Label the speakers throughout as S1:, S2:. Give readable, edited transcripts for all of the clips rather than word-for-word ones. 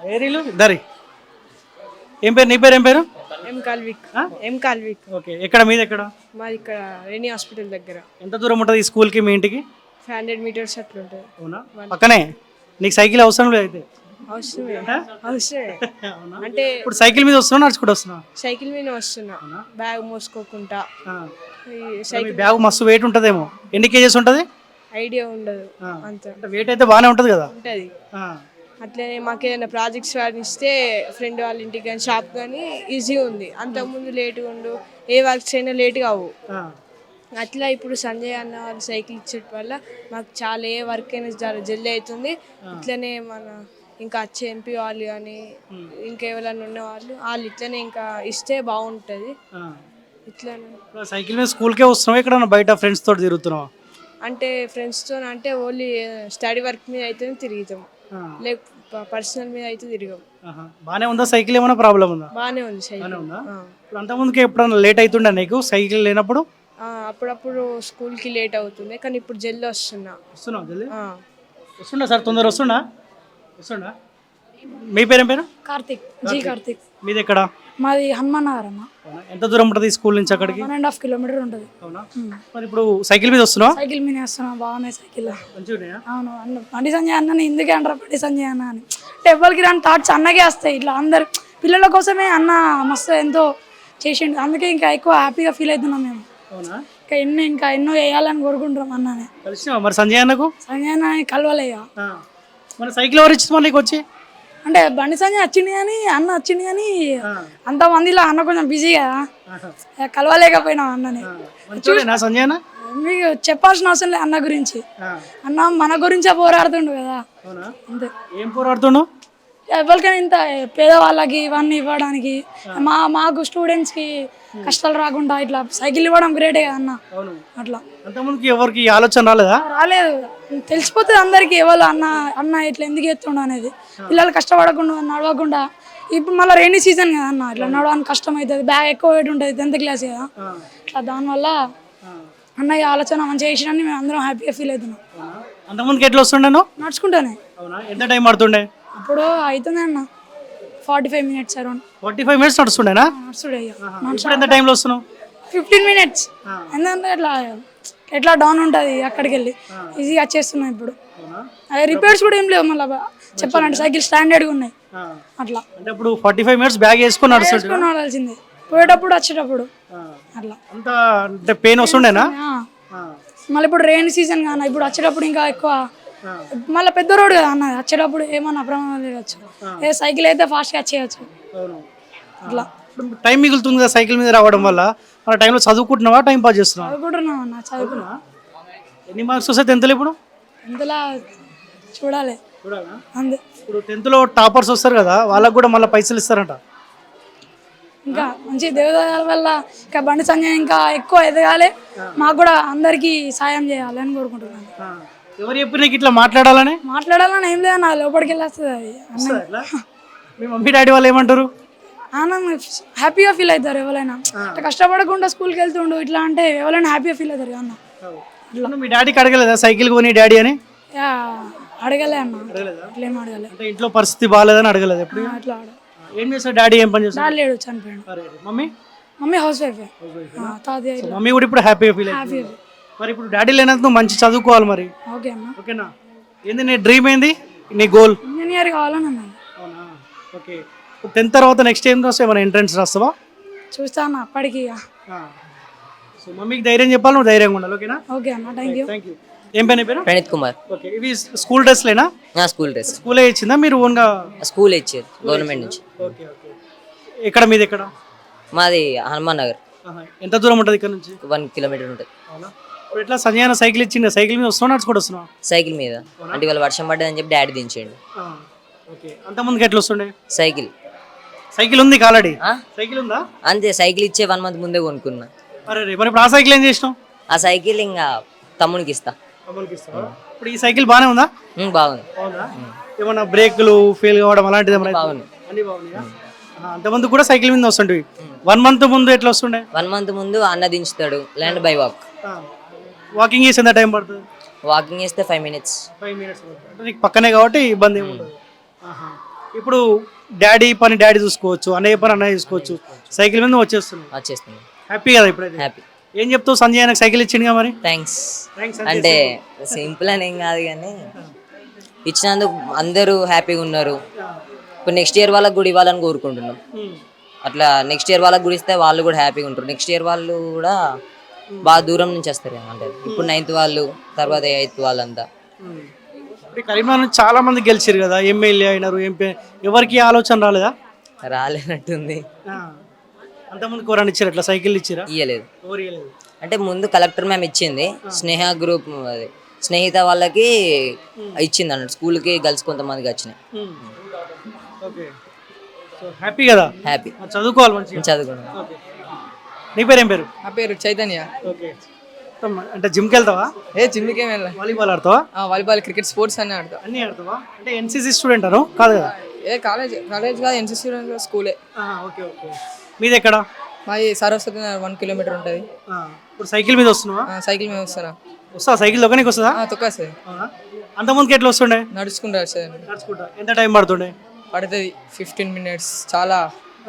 S1: ఏరీలు దరి. ఏం పేరు నీ పేరు? ఏం పేరు?
S2: ఎం కాల్విక్.
S1: ఓకే, ఎక్కడ మీది ఎక్కడ?
S2: మాది ఇక్కడ రెనీ హాస్పిటల్ దగ్గర.
S1: ఎంత దూరం ఉంటుంది ఈ స్కూల్కి మీ ఇంటికి?
S2: 500 meters అట్లా ఉంటుంది.
S1: అవునా, పక్కనే. నీకు సైకిల్ అవసరం లేదు అయితే?
S2: అవసరమే అంటే
S1: ఇప్పుడు సైకిల్ మీద వస్తున్నా నడుచుకుంటూ వస్తున్నా?
S2: సైకిల్ మీద వస్తున్నా, బ్యాగ్ మోసుకోకుండా.
S1: మీ బ్యాగ్ మస్తు వెయిట్ ఉంటుందేమో. ఎన్ని కేజెస్ ఉంటుంది?
S2: ఐడియా ఉండదు అంత.
S1: వెయిట్ అయితే బాగానే ఉంటుంది కదా?
S2: ఉంటుంది. అట్లనే మాకు ఏదైనా ప్రాజెక్ట్స్ ఇస్తే ఫ్రెండ్ వాళ్ళ ఇంటికి కానీ షాప్ కానీ ఈజీగా ఉంది. అంతకుముందు లేట్గా ఉండు, ఏ వర్క్స్ అయినా లేట్గా అవ్వు. అట్లా ఇప్పుడు సంజయ్ అన్న వాళ్ళు సైకిల్ ఇచ్చడం వల్ల మాకు చాలా ఏ వర్క్ అయినా చాలా జల్దీ అవుతుంది. ఇట్లనే మన ఇంకా వచ్చే ఎంపీ వాళ్ళు కానీ ఇంకా ఎవరైనా ఉన్న వాళ్ళు ఇట్లనే ఇంకా ఇస్తే బాగుంటుంది. ఇట్లనే
S1: సైకిల్ మీద స్కూల్కే వస్తున్నావా, ఇక్కడ బయట ఫ్రెండ్స్ తోటి తిరుగుతున్నావా?
S2: అంటే ఫ్రెండ్స్తో అంటే ఓన్లీ స్టడీ వర్క్ మీద అయితే తిరుగుతాం, లేక పర్సనల్ మీద అయితే తిరగం.
S1: బాగానే ఉందా సైకిల్? ఏమైనా ప్రాబ్లం ఉందా?
S2: బాగానే ఉంది సైకిల్.
S1: ఇప్పుడు అంతకుముందుకే ఎప్పుడన్నా లేట్ అవుతుండే నీకు సైకిల్ లేనప్పుడు?
S2: అప్పుడప్పుడు స్కూల్కి లేట్ అవుతుంది, కానీ ఇప్పుడు జల్దీ
S1: వస్తున్నా జల్దీ వస్తుండా సార్? తొందర వస్తుండా? మీ పేరు? ఏం పేరు?
S3: కార్తిక్. కార్తిక్.
S1: మీది ఎక్కడ?
S3: మాది హనుమాన్ నగర్ అన్న.
S1: ఎంత దూరం ఉంటుంది స్కూల్ నుంచి అక్కడికి?
S3: 1.5 kilometers ఉంటుంది.
S1: అవునా, మరి ఇప్పుడు సైకిల్ మీద వస్తున్నావా?
S3: సైకిల్ మీద వస్తున్నా, బాగున్నాయి సైకిల్.
S1: మంచిగా.
S3: అవును, బండి సంజయ్ అన్న ఎందుకే అంటారు బండి సంజయ్ అన్న అని. అంటే ఎవరికి రాని థాట్స్ అన్నకే వస్తాయి. ఇట్లా అందరు పిల్లల కోసమే అన్న మస్తు ఎంతో చేసిండు, అందుకే ఇంకా ఎక్కువ హ్యాపీగా ఫీల్ అవుతున్నాం మేము. ఇంకా ఎన్నో వేయాలని కోరుకుంటున్నాం అన్ననే.
S1: కలిసినావా మరి సంజయ్ అన్నకు?
S3: సంజయ్ అన్న కలవలేగా.
S1: మన సైకిల్ ఎవరు ఇచ్చింది నీకు వచ్చి?
S3: అంటే బండి సంజయ్ వచ్చింది కానీ అన్న వచ్చింది కానీ అంతమందిలో అన్న కొంచెం బిజీ కదా, కలవలేకపోయినాం అన్నని.
S1: సంజయ్ అన్న
S3: మీకు చెప్పాల్సిన అవసరం లేదు అన్న గురించి. అన్న మన గురించే పోరాడుతుండు కదా, అంతే.
S1: ఏం పోరాడుతుండు?
S3: ఎవరికైనా ఇంత పేదవాళ్ళకి ఇవన్నీ ఇవ్వడానికి, మాకు స్టూడెంట్స్కి కష్టాలు రాకుండా ఇట్లా సైకిల్ ఇవ్వడం గ్రేటే కదా అన్న. అట్లా
S1: అంతకుముందుకి ఎవరికి ఆలోచన రాలేదా?
S3: రాలేదు, తెలిసిపోతుంది అందరికి ఎవరు అన్న ఇట్లా ఎందుకు ఎత్తుండు అనేది. పిల్లలు కష్టపడకుండా నడవకుండా, ఇప్పుడు మళ్ళీ రైనీ సీజన్ కదా అన్న, ఇట్లా నడవడానికి కష్టం అవుతుంది, బ్యాగ్ ఎక్కువ వెయిట్ ఉంటుంది, 10th class కదా. ఇట్లా దానివల్ల అన్న ఈ ఆలోచన మంచిగా చేసినని మేము అందరం హ్యాపీగా ఫీల్ అవుతున్నాం.
S1: అంతకుముందుకి ఎట్లా వస్తుండే?
S3: నడుచుకుంటానే.
S1: ఎంత టైం పడుతుండే?
S3: అప్పుడు అవుతుంది అన్న 45 minutes అరౌండ్.
S1: 45 minutes నడుస్తుండేనా?
S3: నడుస్తుండే.
S1: ఎంత టైంలో వస్తున్నావు?
S3: 15 minutes. ఎందుకంటే ఎట్లా డౌన్ ఉంటుంది, అక్కడికి వెళ్ళి ఈజీగా వచ్చేస్తున్నాయి. ఇప్పుడు అదే రిపేర్స్ కూడా ఏం లేవు మళ్ళీ చెప్పాలంటే, సైకిల్ స్టాండర్డ్గా ఉన్నాయి. అట్లా
S1: అంటే ఇప్పుడు 45 minutes బ్యాగ్ వేసుకొని
S3: నడవాల్సిందే, పోయేటప్పుడు వచ్చేటప్పుడు అట్లా.
S1: అంత అంటే పెయిన్ వస్తుండేనా?
S3: మళ్ళీ ఇప్పుడు రెయిన్ సీజన్ కానీ ఇప్పుడు వచ్చేటప్పుడు ఇంకా ఎక్కువ, మళ్ళీ పెద్ద రోడ్ కదా అన్నది, వచ్చేటప్పుడు ఏమన్నా ప్రమాదం జరగచ్చు. ఏ సైకిల్ అయితే ఫాస్ట్గా వచ్చేయచ్చు. అట్లా
S1: టైం మిగులుతుంది కదా సైకిల్ మీద రావడం వల్ల. మన టైంలో చదువుకుంటున్నావా, టైం పాస్ చేస్తున్నావా?
S3: చదువుకుంటున్నావు అన్న, చదువుకున్నా.
S1: ఎన్ని మార్క్స్ వస్తాయి 10th ఇప్పుడు?
S3: 10th చూడాలి అంతే.
S1: ఇప్పుడు 10th టాపర్స్ వస్తారు కదా, వాళ్ళకు కూడా మళ్ళీ పైసలు ఇస్తారంట.
S3: ఇంకా మంచి దేవదాల వల్ల ఇంకా బండి సంజయ్ ఇంకా ఎక్కువ ఎదగాలి, మాకు కూడా అందరికీ సాయం చేయాలి అని కోరుకుంటున్నాను.
S1: ఎవరు చెప్పి నీకు ఇట్లా మాట్లాడాలని
S3: ఏం లేదు, నా లోపలికి వెళ్ళేస్తుంది అది.
S1: మీ మమ్మీ డాడీ వాళ్ళు ఏమంటారు?
S3: హ్యాపీగా ఫీల్ అవుతారు ఎవరైనా. కష్టపడకుండా స్కూల్కి వెళ్తుండు ఇట్లా అంటే ఎవరైనా హ్యాపీగా ఫీల్ అవుతారు అన్న.
S1: ఇట్లా మీ డాడీకి అడగలేదా సైకిల్ కొని డాడీ అని?
S3: అడగలే అన్న, ఇట్లేం అడగలే.
S1: ఇంట్లో పరిస్థితి బాగాలేదని అడగలేదు ఎప్పుడు?
S3: అట్లా
S1: ఏం చేస్తాడు డాడీ? ఏం పని చేస్తాడు?
S3: లేడు, చనిపోయాడు. Mummy house wife. తాతయ్య
S1: మమ్మీ కూడా ఇప్పుడు హ్యాపీగా ఫీల్ అవుతుంది. మరి ఇప్పుడు డాడీ లేనందుకు నువ్వు మంచి చదువుకోవాలి మరి.
S3: ఓకే అన్న.
S1: ఓకేనా? ఏంది నీ డ్రీమ్, ఏంది నీ గోల్?
S3: ఇంజనీర్ కావాలని అన్నాను.
S1: అవునా, ఓకే. 10th తర్వాత నెక్స్ట్ ఏం రాస్తావు? ఏమైనా ఎంట్రన్స్ రాస్తావా?
S3: చూస్తాను అప్పటికి.
S1: సో మమ్మీకి ధైర్యం చెప్పాలి, నువ్వు ధైర్యంగా ఉండాలి. ఓకేనా?
S3: ఓకే అన్న, థ్యాంక్ యూ.
S1: ఏం పేరు?
S4: ప్రణీత్ కుమార్.
S1: ఓకే, ఇవి స్కూల్ డ్రెస్లేనా?
S4: School dress.
S1: స్కూలే ఇచ్చిందా మీరు ఓన్గా?
S4: స్కూల్ ఇచ్చారు గవర్నమెంట్ నుంచి.
S1: Okay okay. ఎక్కడ మీది ఎక్కడ?
S4: మాది హనుమాన్ నగర్.
S1: ఎంత దూరం ఉంటుంది ఇక్కడ నుంచి?
S4: 1 kilometer ఉంటుంది.
S1: అవునా, ఇప్పుడు ఎట్లా సంజయ్ అన్న సైకిల్ ఇచ్చింది, సైకిల్ మీద వస్తున్నావు నడుచుకుంటూ వస్తున్నావు?
S4: సైకిల్ మీద. అంటే ఇవాళ వర్షం పడ్డదని చెప్పి డాడీ దించండి.
S1: ఓకే, అంతకుముందుకు ఎట్లా వస్తుండే?
S4: సైకిల్
S1: ఉంది ఆల్రెడీ. సైకిల్ ఉందా?
S4: అంతే, సైకిల్ ఇచ్చే 1 month ముందే కొనుక్కున్నా.
S1: అరే మరి ఇప్పుడు ఆ సైకిల్ ఏం చేసినావు?
S4: ఆ సైకిల్ ఇంకా తమ్మునికి ఇస్తా.
S1: ఇప్పుడు ఈ సైకిల్ బాగానే ఉందా?
S4: బాగుంది.
S1: ఏమన్నా బ్రేక్లు ఫెయిల్ కావడం అలాంటిది ఏమన్నా?
S4: బాగుంది.
S1: అంతమంది కూడా సైకిల్ మీద వస్తుండే. 1 month ముందు ఎట్లా వస్తుండే?
S4: 1 month ముందు అన్న దించుతాడు, ల్యాండ్ బై వాక్.
S1: వాకింగ్ చేసి ఎంత టైం పడుతుంది?
S4: వాకింగ్ చేస్తే 5 minutes.
S1: 5 minutes. నీకు పక్కనే కాబట్టి ఇబ్బంది ఏమి ఉండదు. ఇప్పుడు డాడీ పని డాడీ చూసుకోవచ్చు, అన్నయ్య పని అన్నయ్య చూసుకోవచ్చు, సైకిల్ మీద వచ్చేస్తున్నావు.
S4: వచ్చేస్తుంది.
S1: హ్యాపీ కదా ఇప్పుడైతే?
S4: హ్యాపీ.
S1: ఏం చెప్తావు సంజయ్ నాకు సైకిల్ ఇచ్చిండుగా మరి?
S4: థ్యాంక్స్.
S1: థ్యాంక్స్
S4: అంటే సింపుల్ అని ఏం కాదు కానీ ఇచ్చినందుకు అందరూ హ్యాపీగా ఉన్నారు. ఇప్పుడు నెక్స్ట్ ఇయర్ వాళ్ళకి కూడా ఇవ్వాలని కోరుకుంటున్నాం. అట్లా నెక్స్ట్ ఇయర్ వాళ్ళకి కూడా ఇస్తే వాళ్ళు కూడా హ్యాపీగా ఉంటారు. నెక్స్ట్ ఇయర్ వాళ్ళు కూడా బాగా దూరం నుంచి వస్తారు అంటే ఇప్పుడు 9th వాళ్ళు, తర్వాత 8th వాళ్ళంతా.
S1: ఇప్పుడు కరీంనగర్ నుంచి చాలా మంది గెలిచారు కదా, ఎమ్మెల్యే అయినారు, ఎంపీ. ఎవరికి ఆలోచన రాలేదా?
S4: రాలేనట్టుంది.
S1: అంతమంది కోరాన్ని ఇచ్చారు, అట్లా సైకిల్ ఇచ్చారా?
S4: ఇయ్యలేదు.
S1: ఎవరు ఇవ్వలేదు.
S4: అంటే ముందు కలెక్టర్ మ్యామ్ ఇచ్చింది, స్నేహ గ్రూప్ అది స్నేహిత వాళ్ళకి ఇచ్చింది అన్నట్టు. స్కూల్కి గర్ల్స్ కొంతమందికి వచ్చినాయి.
S1: ఓకే, సో హ్యాపీ కదా?
S4: హ్యాపీ.
S1: చదువుకోవాలి మంచిగా.
S4: చదువుకున్నాను.
S1: నీ పేరు ఏం పేరు?
S5: నా పేరు చైతన్య.
S1: ఓకే, అంటే జిమ్కి వెళ్తావా?
S5: జిమ్కి ఏం వెళ్ళా.
S1: వాలీబాల్ ఆడతావా?
S5: వాలీబాల్, క్రికెట్, స్పోర్ట్స్ అన్నీ ఆడతా.
S1: అన్నీ ఆడతావా? అంటే ఎన్సీసీ స్టూడెంట్ అను కాదు కదా?
S5: కాలేజ్ కాదు, ఎన్సీసీ స్కూలే.
S1: Okay okay. మీది ఎక్కడ?
S5: మాది సరస్వతి 1 కిలోమీటర్ ఉంటుంది.
S1: ఇప్పుడు సైకిల్ మీద వస్తున్నావా?
S5: సైకిల్ మీద వస్తానా?
S1: వస్తా సైకిల్ దొక్కనికి వస్తుందా?
S5: తొక్కేస్తుంది.
S1: అంతమందికి ఎట్లా వస్తుండే?
S5: నడుచుకుంటూ వస్తుంది.
S1: నడుచుకుంటా. ఎంత టైం పడుతుండే?
S5: పడుతుంది 15 minutes. చాలా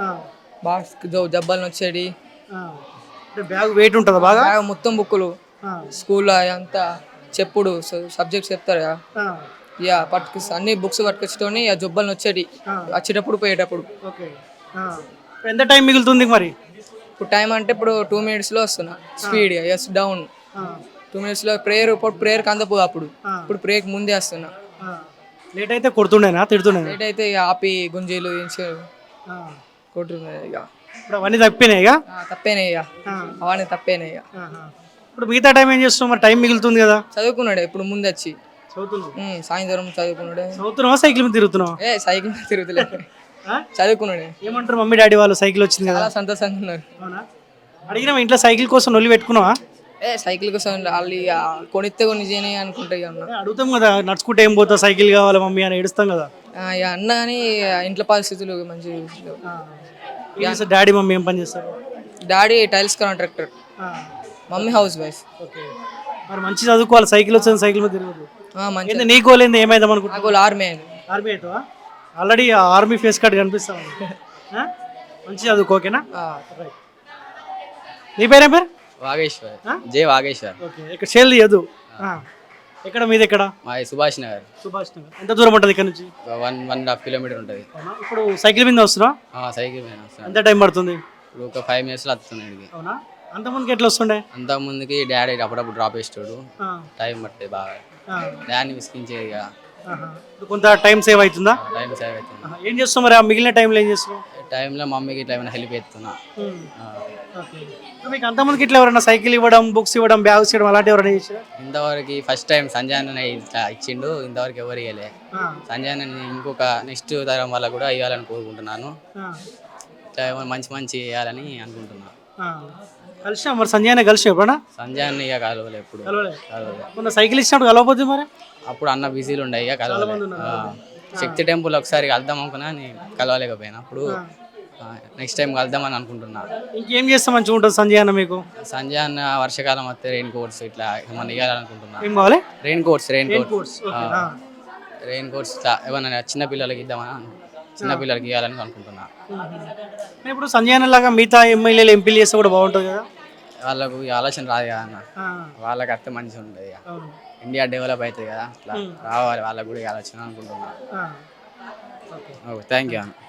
S5: బాగా జబ్బాలను వచ్చేది.
S1: బ్యాగ్ వెయిట్ ఉంటుందా బాగా?
S5: బాగా మొత్తం బుక్కులు, స్కూల్లో అంతా చెప్పుడు సబ్జెక్ట్స్ చెప్తారు కదా, ఇక అన్ని బుక్స్ పట్టుకొచ్చుకొని ఇక జబ్బలను వచ్చేది వచ్చేటప్పుడు పోయేటప్పుడు.
S1: ఓకే, ఎంత టైం మిగులుతుంది మరి?
S5: ఇప్పుడు టైం అంటే ఇప్పుడు 2 minutesలో వస్తున్నా స్పీడ్. ఎస్ డౌన్ 2 minutesలో ప్రేయర్. ఇప్పుడు ప్రేయర్కి అందపో అప్పుడు. ఇప్పుడు ప్రేయర్కి ముందే వస్తున్నా.
S1: లేట్ అయితే కొడుతుండేనా తిడుతుండే?
S5: లేట్ అయితే ఇక ఆపి గుంజీలు కొట్టున్నాయి. ఇక
S1: ఇప్పుడు అవన్నీ తప్పినాయి ఇక?
S5: తప్పేనాయి ఇక, అవన్నీ తప్పేనాయి ఇక.
S1: ఇప్పుడు మిగతా టైం ఏం చేస్తున్నావు మరి? టైం మిగులుతుంది కదా.
S5: చదువుకున్నాడే ఇప్పుడు ముందు వచ్చి.
S1: చదువుతున్నావు?
S5: సాయంత్రం చదువుకున్నాడే.
S1: చదువుతున్నావా సైకిల్ మీద తిరుగుతున్నావా?
S5: సైకిల్ మీద తిరుగుతులే, చదువుకున్నాడే.
S1: ఏమంటారు మమ్మీ డాడీ వాళ్ళు సైకిల్ వచ్చింది కదా?
S5: చాలా సంతోషంగా ఉన్నారు.
S1: అవునా? అడిగినా ఇంట్లో సైకిల్ కోసం నొల్లి పెట్టుకున్నావా?
S5: సైకిల్ కోసం వాళ్ళు ఇక కొనిస్తే కొన్ని చేయని అనుకుంటా. ఇక
S1: అడుగుతాం కదా, నడుచుకుంటే ఏం పోతా సైకిల్ కావాలి మమ్మీ అని ఏడుస్తాం కదా.
S5: ఇక అన్న కానీ ఇంట్లో పరిస్థితులు మంచిగా.
S1: డాడీ మమ్మీ ఏం పని చేస్తారు?
S5: Daddy tiles contractor, mummy house wife.
S1: Okay, మరి మంచి చదువుకోవాలి. సైకిల్ వచ్చింది, సైకిల్ మీద తిరగదు.
S5: మంచిగా.
S1: నీ గోల్ ఏంది? ఏమైదాం అనుకుంటా?
S5: నాకు ఆర్మీ అయింది.
S1: ఆర్మీ అవుతావా? ఆల్రెడీ ఆర్మీ ఫేస్ కార్డ్ కనిపిస్తావు. మంచి చదువుకో, ఓకేనా? నీ పేరేం పేరు?
S6: వాగేశ్వర్. జే వాగేశ్వర్.
S1: ఓకే, ఇక్కడ షేల్ తీయదు. ఎక్కడ మీది? ఎక్కడ?
S6: మాది సుభాష్ నగర్.
S1: సుభాష్ నగర్. ఎంత దూరం ఉంటుంది ఇక్కడ నుంచి?
S6: 1.5 కిలోమీటర్ ఉంటుంది.
S1: ఇప్పుడు సైకిల్ మీద వస్తున్నా?
S6: సైకిల్ మీద వస్తాను.
S1: ఎంత టైం పడుతుంది?
S6: ఇప్పుడు ఒక 5 minutesలో వస్తున్నాడు.
S1: అవునా? అంతమందికి ఎట్లా వస్తుండే?
S6: అంతకుముందుకి డాడీ అప్పుడప్పుడు డ్రాప్ చేస్తాడు. టైం పట్టేది బాగా. డాడీని విసిగించేది ఇక.
S1: కొంత టైం సేవ్ అవుతుందా?
S6: టైం సేవ్ అవుతుంది.
S1: ఏం చేస్తావు మరి? ఆ మిగిలిన టైంలో ఏం చేస్తావు?
S6: టైంలో మమ్మీకి ఇట్లా ఏమైనా హెల్ప్ చేస్తున్నా.
S1: మీకు అంతమందికి ఇట్లా ఎవరైనా సైకిల్ ఇవ్వడం, బుక్స్ ఇవ్వడం, బ్యాగ్స్ ఇవ్వడం అలాంటి ఎవరైనా చేసారా?
S6: ఇంతవరకు ఫస్ట్ టైం సంజయ్ అన్న ఇట్లా ఇచ్చిండు. ఇంతవరకు ఎవరు ఇవ్వలే. సంజయ్ అన్న ఇంకొక నెక్స్ట్ తరం వల్ల కూడా ఇవ్వాలని కోరుకుంటున్నాను. ఇట్లా మంచి మంచి ఇవ్వాలని అనుకుంటున్నాను.
S1: కలిసినా మరి? సంజయ్ అన్న కలిసి ఎప్పుడన్నా?
S6: సంజయ్ అన్న ఇక కలవలే ఎప్పుడు.
S1: మొన్న సైకిల్ ఇచ్చినప్పుడు కలవపోతే మరి?
S6: అప్పుడు అన్న బిజీలు ఉండే ఇక కలవలే. శక్తి టెంపుల్ ఒకసారి కలుద్దాం అనుకున్నా, కలవలేకపోయినా. అప్పుడు నెక్స్ట్ టైం కలుద్దామని అనుకుంటున్నా.
S1: ఇంకేం చేస్తే మంచిగా ఉంటుంది సంజయ్ అన్న మీకు?
S6: సంజయ్ అన్న వర్షాకాలం వస్తే రెయిన్ కోట్స్ ఇట్లా ఏమన్నా ఇవ్వాలనుకుంటున్నా.
S1: ఏం కావాలి?
S6: రెయిన్ కోట్స్ ఇట్లా ఏమన్నా చిన్న పిల్లలకి ఇద్దామని, చిన్న పిల్లలకి ఇవ్వాలని అనుకుంటున్నా.
S1: ఇప్పుడు సంజయ్ అన్న లాగా మిగతా ఎమ్మెల్యేలు ఎంపీలు చేస్తే కూడా బాగుంటుంది కదా?
S6: వాళ్ళకు ఈ ఆలోచన రాదు కదా అన్న. వాళ్ళకి అర్థం మంచిగా ఉంటుంది. ఇక ఇండియా డెవలప్ అవుతుంది కదా, అట్లా రావాలి వాళ్ళకు కూడా ఈ ఆలోచన అనుకుంటున్నా. థ్యాంక్ యూ అన్న.